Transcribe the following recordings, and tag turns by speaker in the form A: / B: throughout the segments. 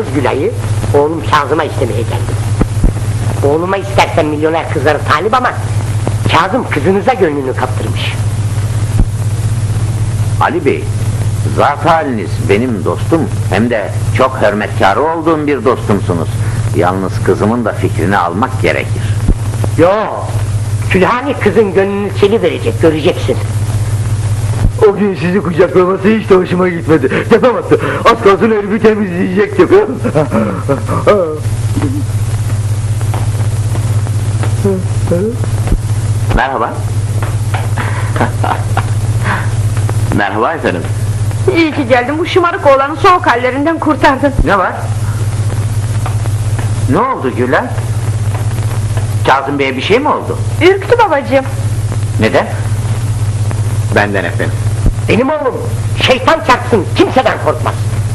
A: Gülay'ı, oğlum Kazım'a istemeye geldim. Oğluma istersen milyoner kızları talip ama Kazım kızınıza gönlünü kaptırmış.
B: Ali Bey, zat haliniz benim dostum, hem de çok hürmetkarı olduğum bir dostumsunuz. Yalnız kızımın da fikrini almak gerekir.
A: Yo, Külhani kızın gönlünü çeliverecek, göreceksin.
C: O gün sizi kucaklaması hiç de hoşuma gitmedi. Yapamadı. Az kalsın herifi temizleyecektim.
B: Merhaba. Merhaba efendim.
D: İyi ki geldin, bu şımarık oğlanı soğuk hallerinden kurtardın.
B: Ne var? Ne oldu Gülen? Kazım Bey'e bir şey mi oldu?
D: Ürktü babacığım.
B: Neden? Benden efendim.
A: Benim oğlum, şeytan çarpsın, kimseden korkmaz.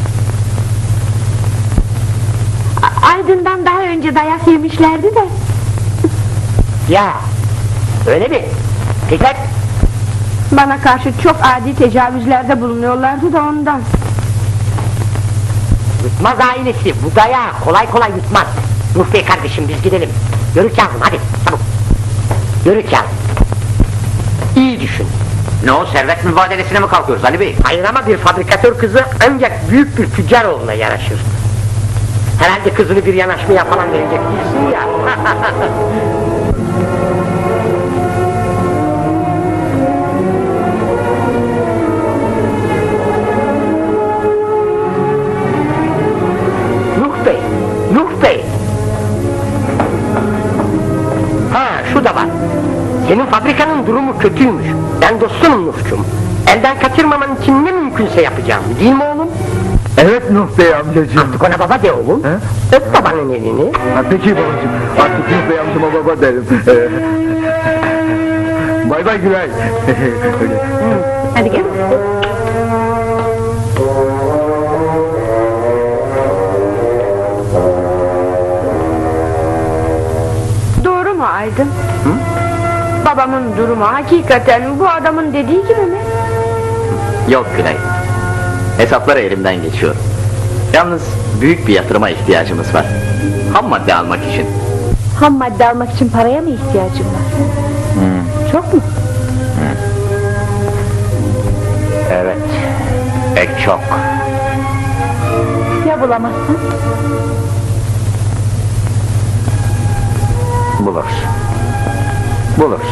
D: Aydın'dan daha önce dayak yemişlerdi de.
A: Ya, öyle mi? Dikkat!
D: Bana karşı çok adi tecavüzlerde bulunuyorlardı da ondan.
A: Yutmaz ailesi, bu dayağı kolay kolay yutmaz. Nuh Bey kardeşim, biz gidelim. Yürü Kazım, hadi, çabuk. Yürü Kazım. İyi düşün.
B: Ne o, servet mübadelesine mi kalkıyoruz Ali Bey?
A: Hayır ama bir fabrikatör kızı ancak büyük bir tüccar oğluna yaraşır. Herhalde kızını bir yanaşmaya falan verecek değilsin ya. Nuh Bey, Nuh Bey. Ha, şu da var. Senin fabrikanın durumu kötüymüş. Ben dostunum Nuh'cum. Elden kaçırmaman için ne mümkünse yapacağım, değil mi oğlum?
C: Evet Nuh Bey amcacığım.
A: Artık ona baba de oğlum.
C: He?
A: Öp babanın elini.
C: Ha, peki babacığım. Artık Nuh Bey amcama baba derim. Bay bay Gülay.
D: Hadi gel. Doğru mu Aydın? Babamın durumu hakikaten bu adamın dediği gibi mi?
E: Yok Güney. Hesaplar elimden geçiyor. Yalnız büyük bir yatırıma ihtiyacımız var. Ham madde almak için.
D: Ham madde almak için paraya mı ihtiyacın var? Çok mu?
B: Evet, pek çok.
D: Ya bulamazsan?
B: Buluruz. Buluruz.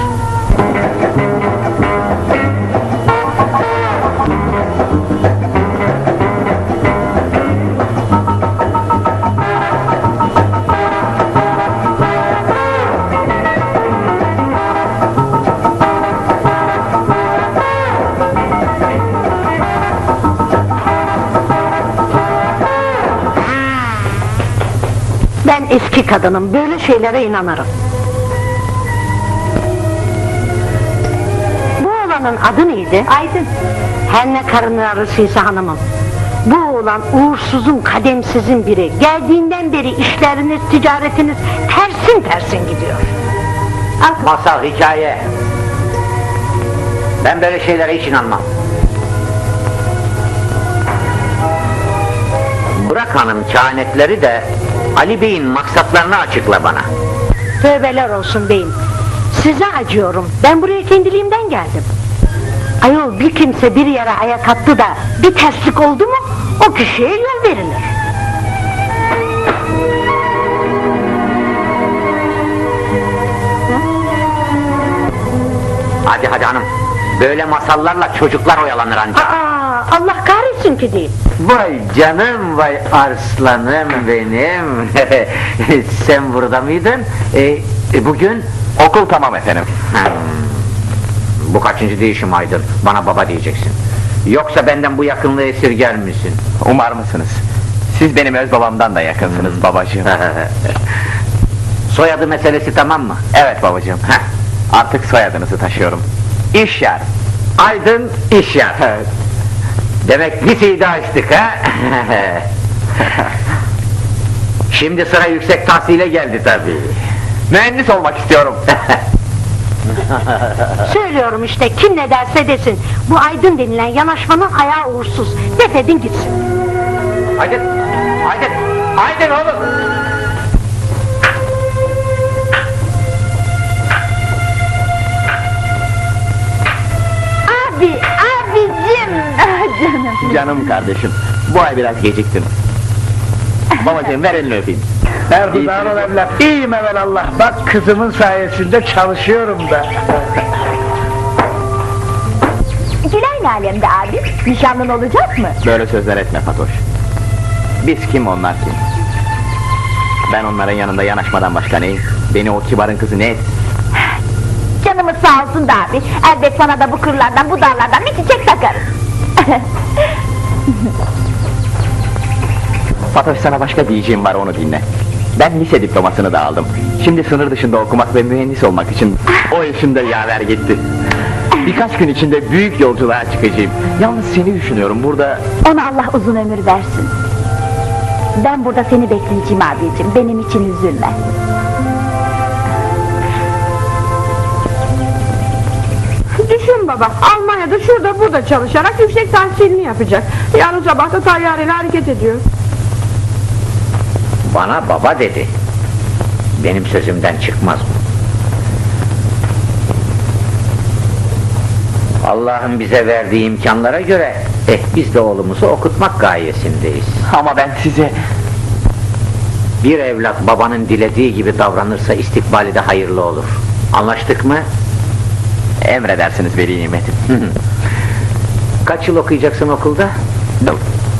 D: Ben eski kadınım, böyle şeylere inanırım. Bu oğlanın adı neydi? Aydın. Her ne karın ağrısıysa hanımım. Bu oğlan uğursuzun, kademsizin biri. Geldiğinden beri işleriniz, ticaretiniz tersin gidiyor. Al.
B: Masal, hikaye. Ben böyle şeylere hiç inanmam. Bırak hanım kehanetleri de Ali Bey'in maksatlarını açıkla bana.
D: Tövbeler olsun beyim. Size acıyorum. Ben buraya kendiliğimden geldim. Ayol, bir kimse bir yere ayak attı da bir terslik oldu mu o kişiye yol verilir.
B: Hadi hanım. Böyle masallarla çocuklar oyalanır ancak.
D: Aa, Allah kahretsin ki değil.
B: Vay canım, vay arslanım benim. Sen burada mıydın? Bugün?
E: Okul tamam efendim.
B: Bu kaçıncı değişim Aydın? Bana baba diyeceksin. Yoksa benden bu yakınlığı esirger misin?
E: Umar mısınız? Siz benim öz babamdan da yakınsınız babacığım.
B: Soyadı meselesi tamam mı?
E: Evet babacığım. Artık soyadınızı taşıyorum. İşyar.
B: Aydın İşyar. Demek liseyi de açtık ha? Şimdi sıra yüksek tahsile geldi tabii.
E: Mühendis olmak istiyorum.
D: Söylüyorum işte, kim ne derse desin. Bu Aydın denilen yanaşmanın ayağı uğursuz. Defedin gitsin.
B: Aydın! Aydın oğlum.
D: Abicim! Canım!
E: Canım kardeşim, bu ay biraz geciktim. Babacığım ver elini öpeyim.
C: Erdoğan ol evlat. İyiyim evelallah. Bak kızımın sayesinde çalışıyorum da.
D: Gülay ne alemde abi? Nişanlın olacak mı?
E: Böyle sözler etme Fatoş. Biz kim, onlar kim? Ben onların yanında yanaşmadan başka neyim? Beni o kibarın kızı ne et?
D: Canımız sağ olsun da abi. Elbet sana da bu kırlardan, bu dağlardan bir çiçek takarız.
E: Fatoş, sana başka diyeceğim var, onu dinle. Ben lise diplomasını da aldım. Şimdi sınır dışında okumak ve mühendis olmak için o işimde yaver gitti. Birkaç gün içinde büyük yolculuğa çıkacağım. Yalnız seni düşünüyorum burada.
D: Ona Allah uzun ömür versin. Ben burada seni bekleyeceğim abicim. Benim için üzülme.
F: Düşün baba, Almanya'da şurada burada çalışarak yüksek tahsilini yapacak. Yarın sabah da tayyareyle hareket ediyor.
B: Bana baba dedi. Benim sözümden çıkmaz mı? Allah'ın bize verdiği imkanlara göre biz de oğlumuzu okutmak gayesindeyiz.
E: Ama ben size...
B: Bir evlat babanın dilediği gibi davranırsa istikbali de hayırlı olur. Anlaştık mı?
E: Emredersiniz veli nimetim.
B: Kaç yıl okuyacaksın okulda? 4.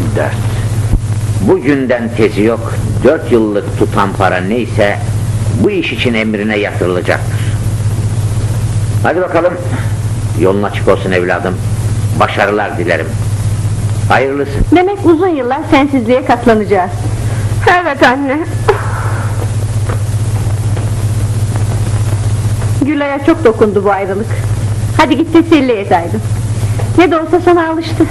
B: Bugünden tezi yok. 4 yıllık tutan para neyse bu iş için emrine yatırılacaktır. Hadi bakalım. Yolun açık olsun evladım. Başarılar dilerim. Hayırlısı.
F: Demek uzun yıllar sensizliğe katlanacağız. Evet anne. Gülay'a çok dokundu bu ayrılık. Hadi git teselli et Aydın. Ne de olsa sana alıştı.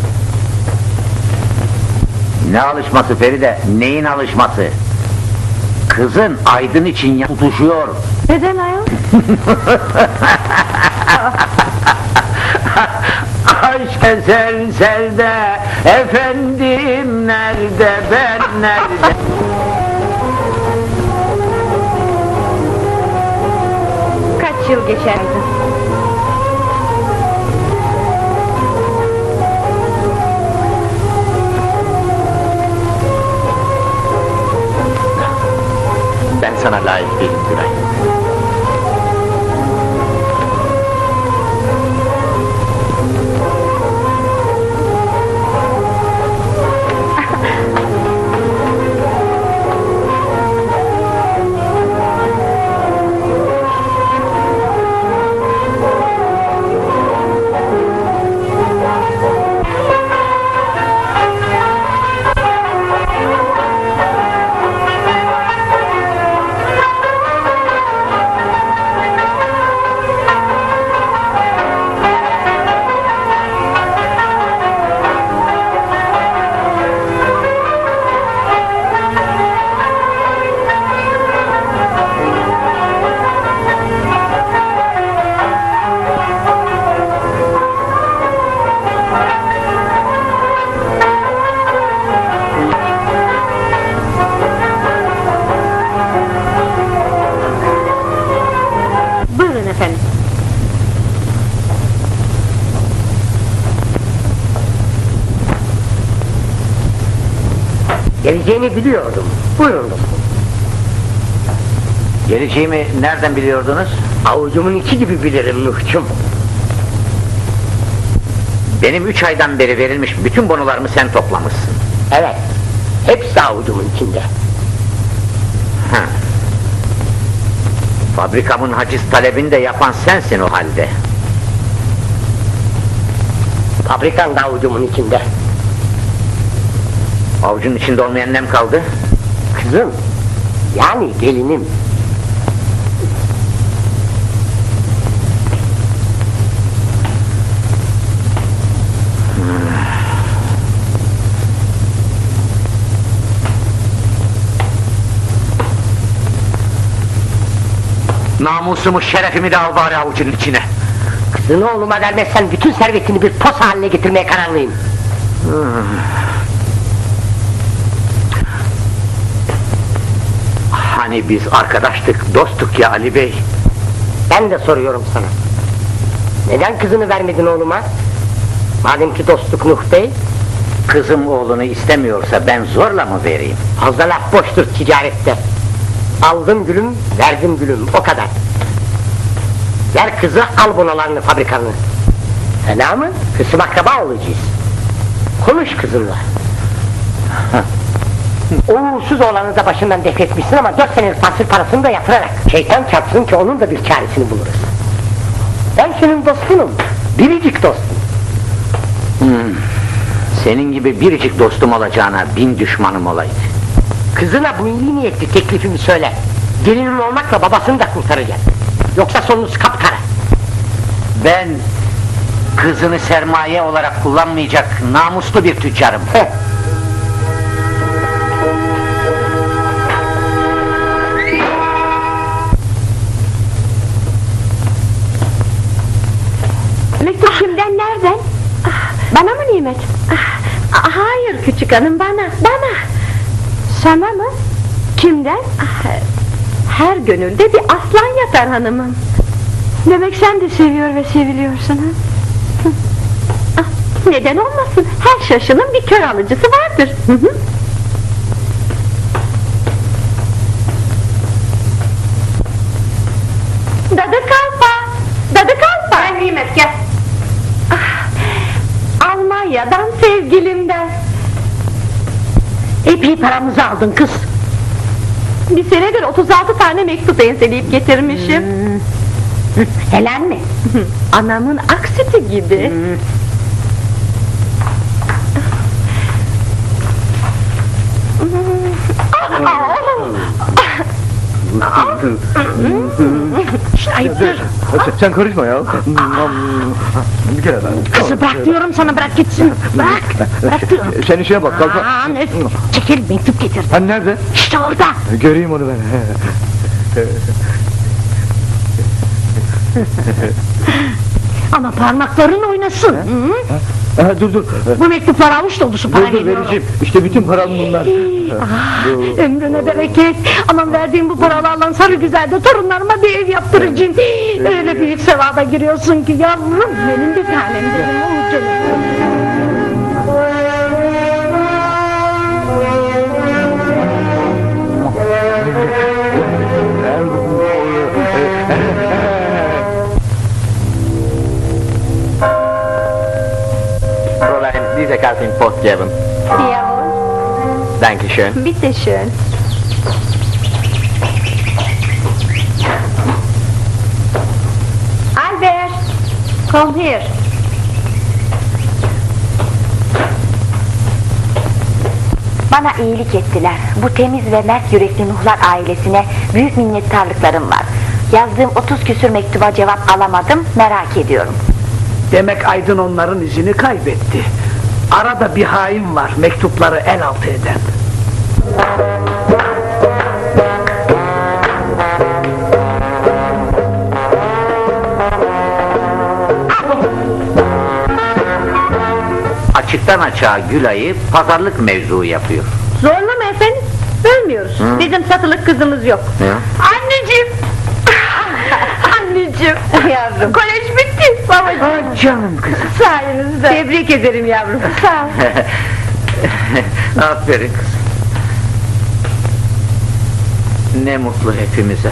B: Ne alışması Feride? Neyin alışması? Kızın Aydın için tutuşuyor.
F: Neden ayol?
B: Aşk eserselde efendim nerede, ben nerede?
F: Kaç yıl geçerdi?
E: Ben sana layık değilim Gülay.
F: Buyurun efendim.
A: Geleceğini biliyordum. Buyurun dostum.
B: Geleceğimi nereden biliyordunuz?
A: Avucumun içi gibi bilirim Nuh'cum.
B: Benim 3 aydan beri verilmiş bütün bonolarımı sen toplamışsın.
A: Evet. Hepsi avucumun içinde.
B: Ha. Fabrikamın haciz talebini de yapan sensin o halde.
A: Fabrikan da avucumun içinde.
B: Avucun içinde olmayan nem kaldı?
A: Kızım. Yani gelinim.
B: Namusumu, şerefimi de al bari avucun içine.
A: Kızını oğluma vermezsen bütün servetini bir pos haline getirmeye kararlıyım.
B: Hani biz arkadaştık, dosttuk ya Ali Bey.
A: Ben de soruyorum sana. Neden kızını vermedin oğluma? Madem ki dostluk Nuh Bey,
B: Kızım oğlunu istemiyorsa ben zorla mı vereyim?
A: fazla laf boştur ticarette. Aldım gülüm, verdim gülüm, o kadar. Ver kızı, al bunalarını, fabrikanı. Fena mı? Kısım akraba olacağız. Konuş kızınla. O uğursuz oğlanı da başından defetmişsin ama 4 senelik tahsil parasını da yatırarak. Şeytan çarpsın ki onun da bir çaresini buluruz. Ben senin dostunum, biricik dostum.
B: Senin gibi biricik dostum olacağına 1000 düşmanım olaydı.
A: Kızına bu iyi niyetli teklifimi söyle. Gelinin olmakla babasını da kurtaracak. Yoksa sonunuz kapkara.
B: Ben kızını sermaye olarak kullanmayacak namuslu bir tüccarım.
A: Heh.
F: Mektup kimden, nereden? Bana mı Nimet?
D: Hayır küçük hanım, bana.
F: Sana mı? Kimden?
D: Her gönülde bir aslan yatar hanımım.
F: Demek sen de seviyor ve seviliyorsun ha?
D: Neden olmasın? Her şaşının bir kör alıcısı vardır. Dadı kalfa! Dadı kalfa!
F: Gel Nimet gel.
D: Almanya'dan sevgilimden.
A: Epey paramızı aldın kız.
D: Bir senedir 36 tane mektup enseleyip getirmişim.
A: Helal mi?
D: Anamın aksiti gibi.
A: Ayıptır.
C: Sen karışma ya. Bir kere daha.
A: Kızı bırak diyorum sana, bırak gitsin. Bırak. Bırak diyorum.
C: Sen işine bak, kalk.
A: Aman öf. Çekil, mektup getir.
C: Hani nerede?
A: İşte orada.
C: Göreyim onu ben.
A: Ama parmakların oynasın. Hı?
C: Dur.
A: Bu mektuplar avuç dolusu para
C: Dur
A: geliyor.
C: vereceğim. İşte bütün param bunlar.
A: Ömrüne bereket. Aman verdiğim bu paralarla sarı güzelde torunlarıma bir ev yaptıracağım. Öyle büyük sevaba giriyorsun ki yavrum, benim bir tanem benim. Oh canım.
E: Fräulein, diese Karte in Post geben.
D: Jawohl,
E: Dankeschön.
D: bitte schön. Albert, komm her.
G: Bana iyilik ettiler. Bu temiz ve mert yürekli Nuhlar ailesine büyük minnettarlıklarım var. Yazdığım 30 küsür mektuba cevap alamadım, merak ediyorum.
H: Demek Aydın onların izini kaybetti. Arada bir hain var, mektupları el altı eden.
B: Açıktan açığa Gülay'ı pazarlık mevzuu yapıyor.
D: Zorlama efendim, bölmüyoruz. Bizim satılık kızımız yok.
F: Anneciğim. Anneciğim.
D: Yavrum,
F: Kolej bitti babacığım.
H: Ah canım kızım.
F: Sayenizde.
D: tebrik ederim yavrum.
F: Sağ ol.
B: Aferin kızım. Ne mutlu hepimize.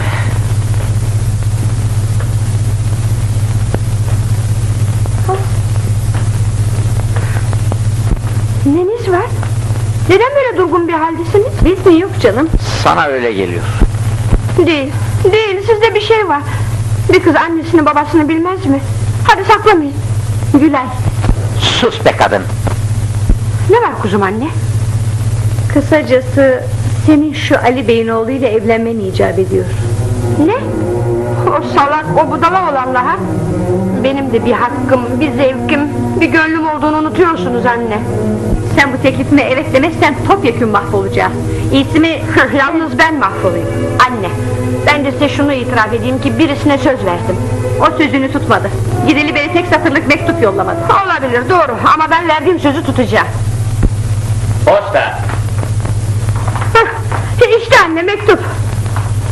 F: Neniz var? Neden böyle durgun bir haldesiniz?
D: Biz mi, yok canım?
B: Sana öyle geliyor.
F: Değil, sizde bir şey var. Bir kız annesini babasını bilmez mi? Hadi saklamayın. Gülay,
B: Sus be kadın.
F: ne var kuzum anne?
D: Kısacası senin şu Ali Bey'in oğluyla evlenmen icap ediyor.
F: Ne? O salak, o budala olanla ha? Benim de bir hakkım, bir zevkim, bir gönlüm olduğunu unutuyorsunuz anne.
D: Sen bu teklifime evet demezsen topyekün mahvolacağız. İyisi mi?
F: Yalnız ben mahvolayım. Anne, ben de size şunu itiraf edeyim ki birisine söz verdim.
D: O sözünü tutmadı. Gideli beri tek satırlık mektup yollamadı.
F: Olabilir, doğru, ama ben verdiğim sözü tutacağım.
B: Posta.
F: Hah, işte anne mektup.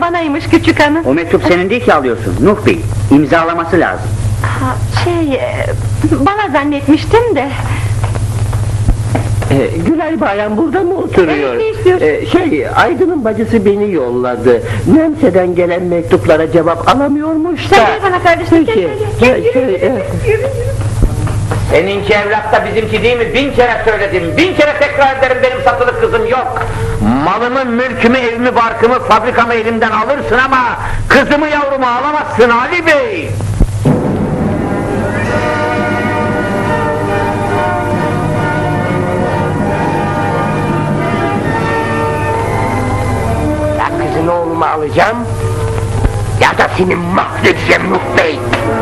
F: banaymış küçük hanım.
I: O mektup senin değil ki alıyorsun Nuh Bey. İmzalaması lazım.
F: Bana zannetmiştim de.
C: Gülay Bayan burada mı oturuyor?
F: Ne istiyorsun?
C: Aydın'ın bacısı beni yolladı. Nemse'den gelen mektuplara cevap alamıyormuş da.
F: Sen gel bana kardeşim.
C: Peki.
B: Seninki evlat da bizimki değil mi? 1000 kere söyledim, 1000 kere tekrar ederim, benim satılık kızım yok. Malımı, mülkümü, evimi, barkımı, fabrikamı elimden alırsın ama kızımı, yavrumu alamazsın Ali Bey.
A: Ya kızını oğluma alacağım, ya da seni mahvedeceğim Nuh Bey.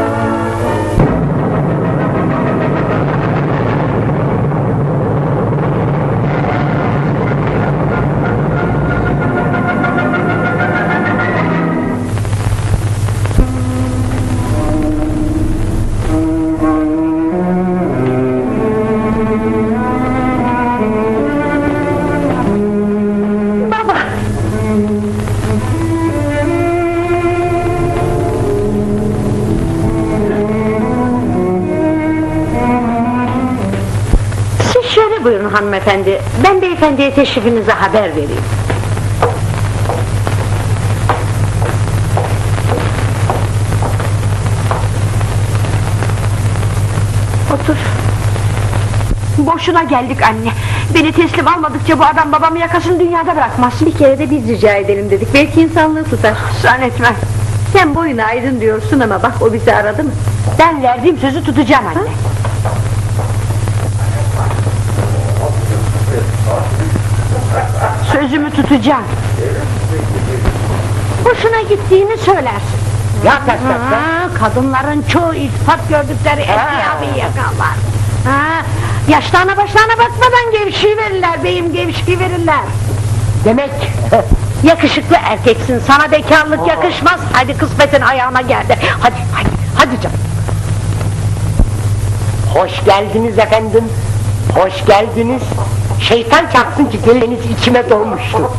D: Siz şöyle buyurun hanımefendi. Ben beyefendiye teşrifinize haber vereyim.
F: Otur. Boşuna geldik anne. Beni teslim almadıkça bu adam babamı yakasını dünyada bırakmaz.
D: Bir kere de biz rica edelim dedik. Belki insanlığı tutar.
F: Zannetmem.
D: Sen boyuna aydın diyorsun ama bak o bizi aradı mı?
F: Ben verdiğim sözü tutacağım anne. Sözümü tutacağım.
D: Hoşuna gittiğini söylersin.
A: Ya taşlarsa?
D: Kadınların çoğu iltifat gördükleri eşkıya yakarlar. Yaşlarına başlarına bakmadan gevşiyiverirler beyim, gevşiyiverirler.
A: Demek
D: Yakışıklı erkeksin, sana bekarlık yakışmaz. Hadi kısmetin ayağına geldi. Hadi canım.
A: hoş geldiniz efendim, hoş geldiniz. Şeytan çarpsın ki geliniz içime dolmuştu.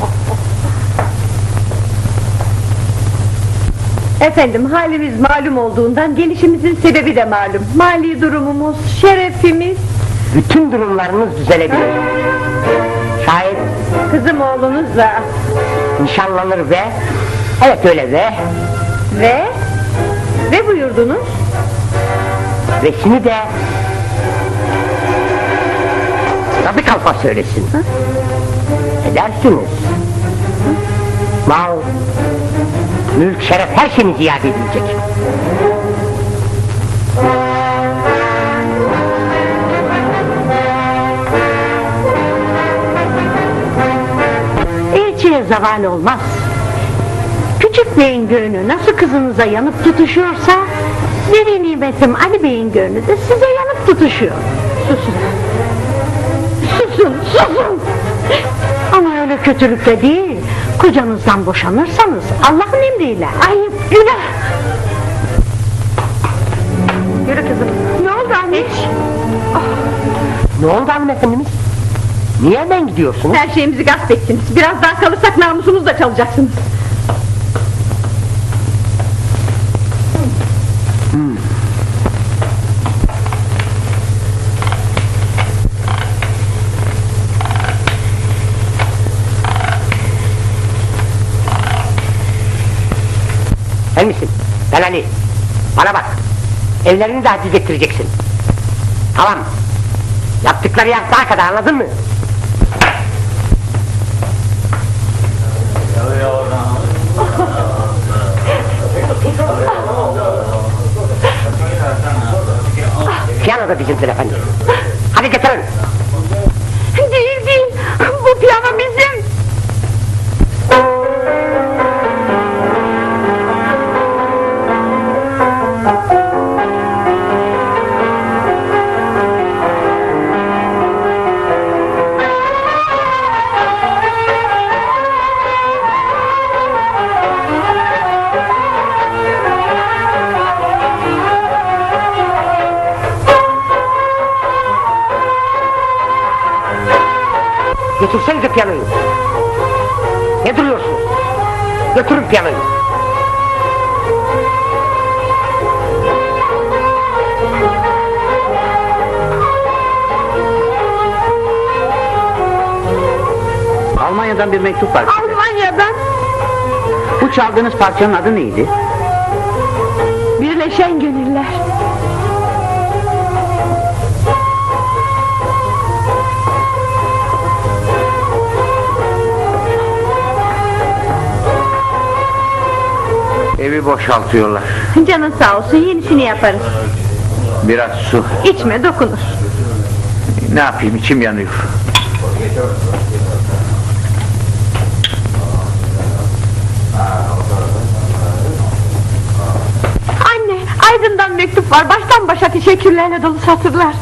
D: Efendim halimiz malum olduğundan gelişimizin sebebi de malum. Mali durumumuz, şerefimiz.
A: Bütün durumlarınız düzelebilir. Şayet
D: Kızım oğlunuzla
A: nişanlanır ve, evet öyle
D: ve buyurdunuz.
A: resmi de tabi kalfa söylesin. Edersiniz. Mal, mülk, şeref her şeyiniz iade edilecek.
D: Elçiye zeval olmaz. Küçük beyin gönlü nasıl kızınıza yanıp tutuşuyorsa, veli nimetim Ali Bey'in gönlü de size yanıp tutuşuyor. Susun. Susun. Ama öyle kötülükle değil. Kocanızdan boşanırsanız Allah'ın emriyle. Ayıp, günah.
F: Yürü kızım. Ne oldu anne?
A: Ne oldu hanımefendimiz? Niye hemen gidiyorsunuz?
F: Her şeyimizi gasp ettiniz. Biraz daha kalırsak namusumuzu da çalacaksınız.
A: Sen misin? Ben Ali. Bana bak. Evlerini de haciz ettireceksin. Tamam. Yaptıkları yaptığa kadar, anladın mı? Piyano da bizimdir efendim. Hadi getirin.
F: Değil. Bu piyano bizim.
A: Getirsenize piyanoyu. Ne duruyorsunuz? Götürün piyanoyu.
I: Almanya'dan bir mektup var size.
F: Almanya'dan
I: Bu çaldığınız parçanın adı neydi?
F: Birleşen Gönüller.
B: Evi boşaltıyorlar.
F: Canın sağ olsun, yenisini yaparız.
B: Biraz su.
F: İçme, dokunur.
B: Ne yapayım, içim yanıyor.
F: Anne, Aydın'dan mektup var. Baştan başa teşekkürlerle dolu satırlar.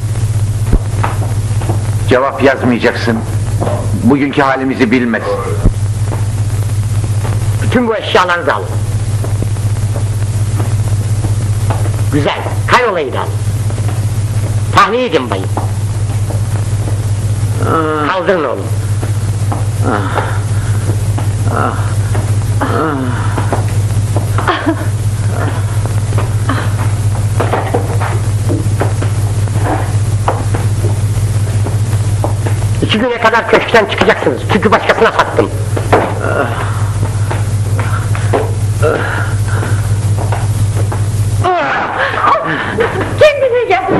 B: Cevap yazmayacaksın. Bugünkü halimizi bilmez.
A: Bütün bu eşyalarınızı alın. Güzel, kanolayı da alın. Tahliye edin bayım. Kaldırın oğlum. İki güne kadar köşkten çıkacaksınız. Çünkü başkasına sattım.
F: Kendine gel.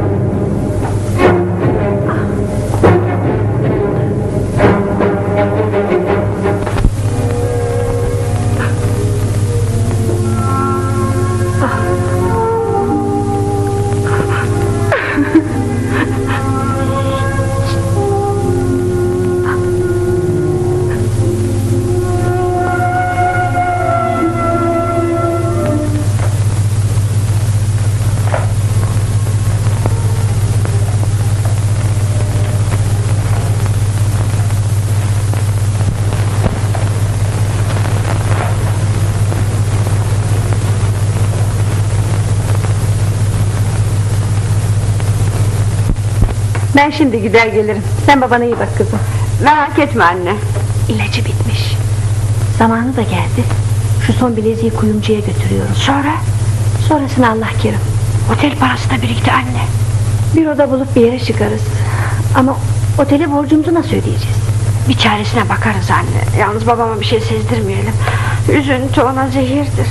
F: Ben şimdi gider gelirim. Sen babana iyi bak kızım. Merak etme anne.
G: İlacı bitmiş. Zamanı da geldi. Şu son bileziği kuyumcuya götürüyorum.
F: Sonra?
G: Sonrasını Allah kerim.
F: Otel parası da birikti anne.
G: Bir oda bulup bir yere çıkarız. Ama otele borcumuzu nasıl ödeyeceğiz?
F: Bir çaresine bakarız anne. Yalnız babama bir şey sezdirmeyelim. Üzüntü ona zehirdir.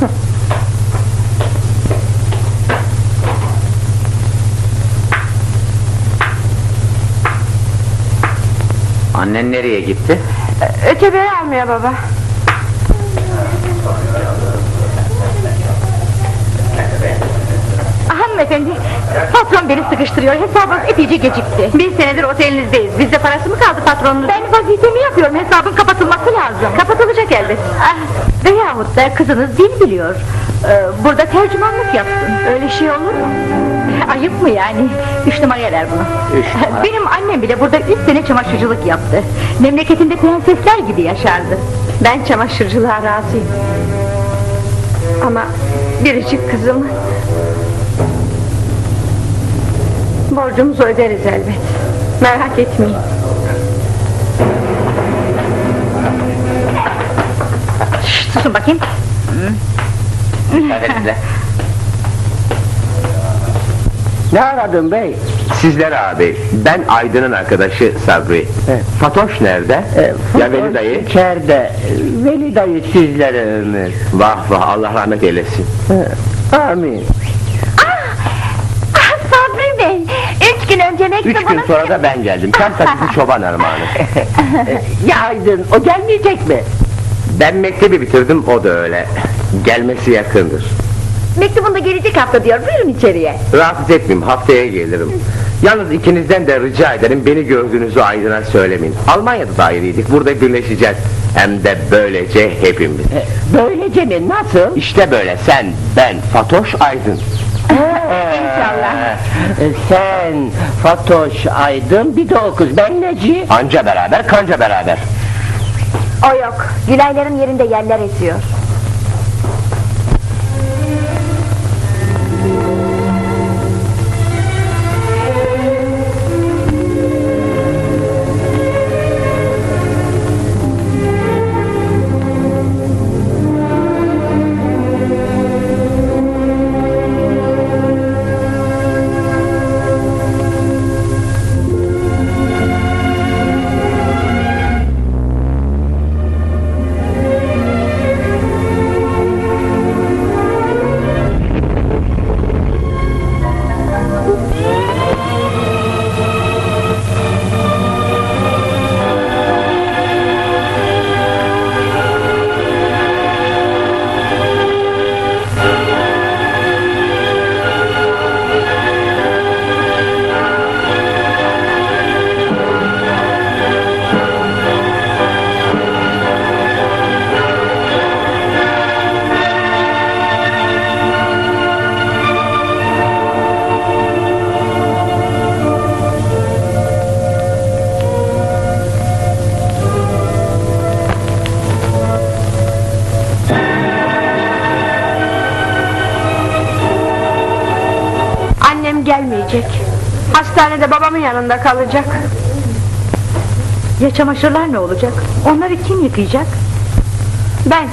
B: Annen nereye gitti?
F: Ötebeği almaya baba.
G: Hanımefendi, patron beni sıkıştırıyor. Hesabınız epeyce gecikti. Bir senedir otelinizdeyiz. Bizde parası mı kaldı patronunuz? Ben vazifemi yapıyorum. Hesabın kapatılması lazım. Kapatılacak elbet. Veyahut da kızınız dil biliyor. Burada tercümanlık yapsın. Öyle şey olur mu? Ayıp mı yani? 3 numara der bunu.
B: 3 numara.
G: Benim annem bile burada 3 sene çamaşırcılık yaptı. Memleketinde prensesler gibi yaşardı. Ben çamaşırcılığa razıyım. Ama biricik kızım... Borcumuzu öderiz elbet. Merak etmeyin. Şşt, susun bakayım.
B: Müsaadenizle.
C: Ne aradın bey?
E: Sizler abi, ben Aydın'ın arkadaşı Sabri. Fatoş nerede? Ya Veli dayı?
C: İçeride. Veli dayı sizlere ömür.
E: Vah vah, Allah rahmet eylesin.
C: Amin.
G: Sabri Bey, 3 gün önce
E: 3 gün
G: mektubunu...
E: sonra da ben geldim. Tam takısı çoban armağanı.
C: Ya Aydın, o gelmeyecek mi?
E: Ben mektebi bitirdim, o da öyle. Gelmesi yakındır.
G: Mektubunda gelecek hafta diyor, buyurun içeriye.
E: Rahatsız etmeyeyim, haftaya gelirim. Yalnız ikinizden de rica ederim, beni gördüğünüzü Aydın'a söylemeyin. Almanya'da da ayrıydık, burada birleşeceğiz. Hem de böylece hepimiz.
C: Böylece mi? Nasıl?
E: İşte böyle, sen, ben, Fatoş, Aydın.
C: İnşallah. Sen, Fatoş, Aydın, bir de o kız. Ben neci?
E: Anca beraber, kanca beraber.
G: O yok, Gülayların yerinde yerler esiyor.
F: gidecek. Hastanede babamın yanında kalacak.
G: Ya çamaşırlar ne olacak? Onları kim yıkayacak?
F: Ben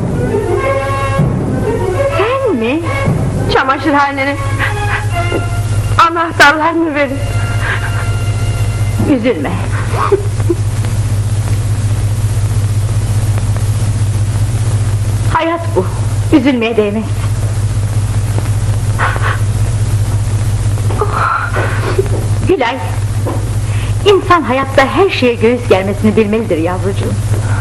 G: Sen mi?
F: çamaşırhanenin anahtarlarını verin.
G: Üzülme. Hayat bu. Üzülmeye değmez. Gülay, İnsan hayatta her şeye göğüs germesini bilmelidir yavrucuğum.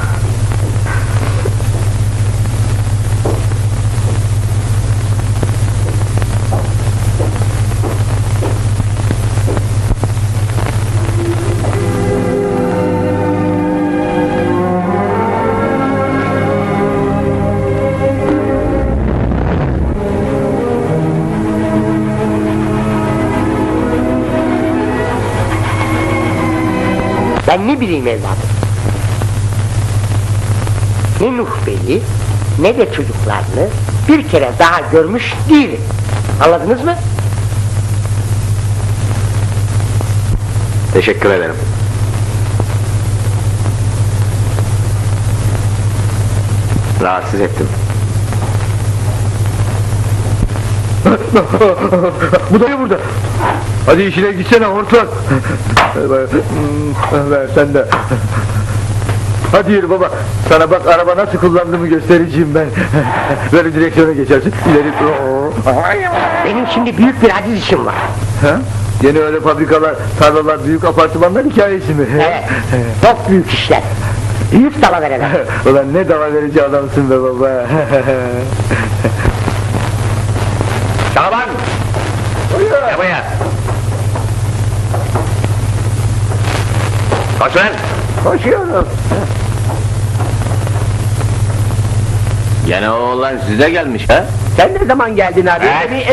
A: Ben ne bileyim evladım. Ne Nuh Bey'i ne de çocuklarını bir kere daha görmüş değilim. Anladınız mı?
E: Teşekkür ederim. Rahatsız ettim.
C: Bu dayı burada. Hadi işine gitsene hortlak. Ver sen de. Hadi yürü baba. Sana bak araba nasıl kullandığımı göstereceğim ben. Böyle direksiyona geçersin. İleri.
A: Benim şimdi büyük bir aciz işim var.
C: Ha? Yine öyle fabrikalar, tarlalar, büyük apartmanlar hikayesi mi?
A: Evet. Çok büyük işler. Büyük dalavereler.
C: Ulan ne dava verici adamsın be baba.
B: Şaban! Gel buraya! Koş lan!
A: Koşuyorum.
B: Gene o oğlan size gelmiş ha?
A: Sen ne zaman geldin abi?
B: He?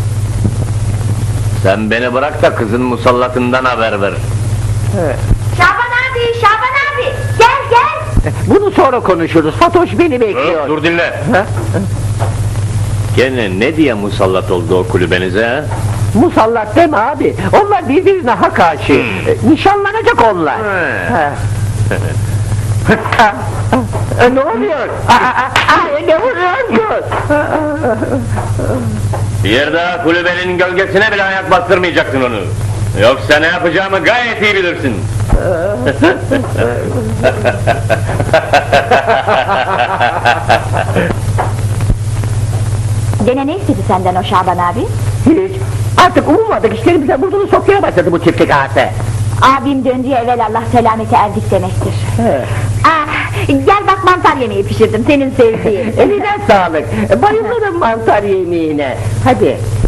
B: Sen beni bırak da kızın musallatından haber ver.
G: Şaban abi, gel gel.
A: Bunu sonra konuşuruz. Fatoş beni bekliyor.
B: Dur dinle. Gene ne diye musallat oldu o kulübenize ha?
A: Musallat deme abi. Onlar birbirine hak aşığı. Nişanlanacak onlar. Ne oluyor? Ne vuruyorsun?
B: Bir daha kulübenin gölgesine bile ayak bastırmayacaksın onu. Yoksa ne yapacağımı gayet iyi bilirsin.
G: Gene ne istedi senden o Şaban abi?
A: Hiç. Artık ummadık işlerimize burnunu sokmaya başladı bu çiftlik ağası.
G: Abim döndüğü evvel Allah selamete erdik demektir. Gel bak mantar yemeği pişirdim senin sevdiğin.
A: Eline sağlık. Bayılırım mantar yemeğine. Hadi